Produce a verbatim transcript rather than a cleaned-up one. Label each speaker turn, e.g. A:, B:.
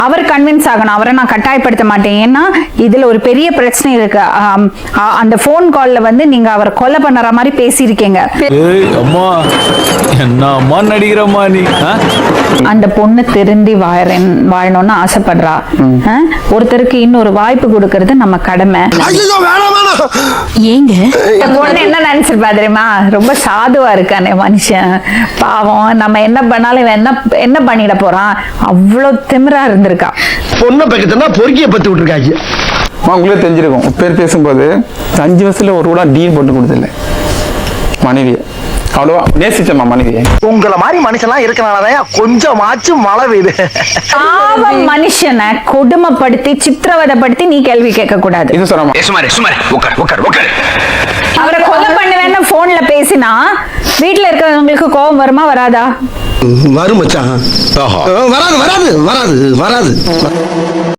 A: அவர் convince ஆகணும். அவரை நான் கட்டாயப்படுத்த மாட்டேன். ஏன்னா இதுல ஒரு பெரிய பிரச்சனை இருக்கு. அந்த போன் கால்ல வந்து நீங்க அவரை கொலை பண்ணுற மாதிரி பேசியிருக்கீங்க.
B: அம்மா என்ன அம்மா நடிக்கிறம்மா நீ.
A: அந்த பொண்ணு திருந்தி வாழறேன் வாழணும்னு ஆசைப்படுறா. ஒருத்தருக்கு இன்னொரு வாய்ப்பு கொடுக்கறது நம்ம கடமை.
C: ஏங்க
A: பொண்ணு என்ன நினைச்சிருப்பா தெரியுமா? ரொம்ப சாதுவா இருக்கானே மனுஷன், பாவம், நம்ம என்ன பண்ணாலும் இவன் என்ன என்ன பண்ணிட போறான், அவ்வளவு திமிரா இருந்திருக்கா.
D: பொண்ணை பக்கத்துல பொறுக்கிய பத்து விட்டுருக்காங்க.
E: உங்களே தெரிஞ்சிருக்கும். பேர் பேசும்போது அஞ்சு வருஷத்துல ஒரு கூட டீல் போட்டு கொடுத்துல மனைவியை அவ்வளவா நேசிச்சம்மா மனைவியை.
D: உங்களை மாதிரி மனுஷன்லாம் இருக்கனாலதான் கொஞ்சமாச்சும் மழை பெய்யுது.
A: பாவம் மனுஷனை கொடுமைப்படுத்தி சித்திரவதைப்படுத்தி நீ கேள்வி கேட்க கூடாது.
E: இது சொல்லாமா
A: அவரை கொலை பண்ணுவேன்னு போன்ல பேசினா வீட்டுல இருக்கிறவங்களுக்கு கோபம் வருமா வராதா?
D: வரும் மச்சான். வராது வராது வராது வராது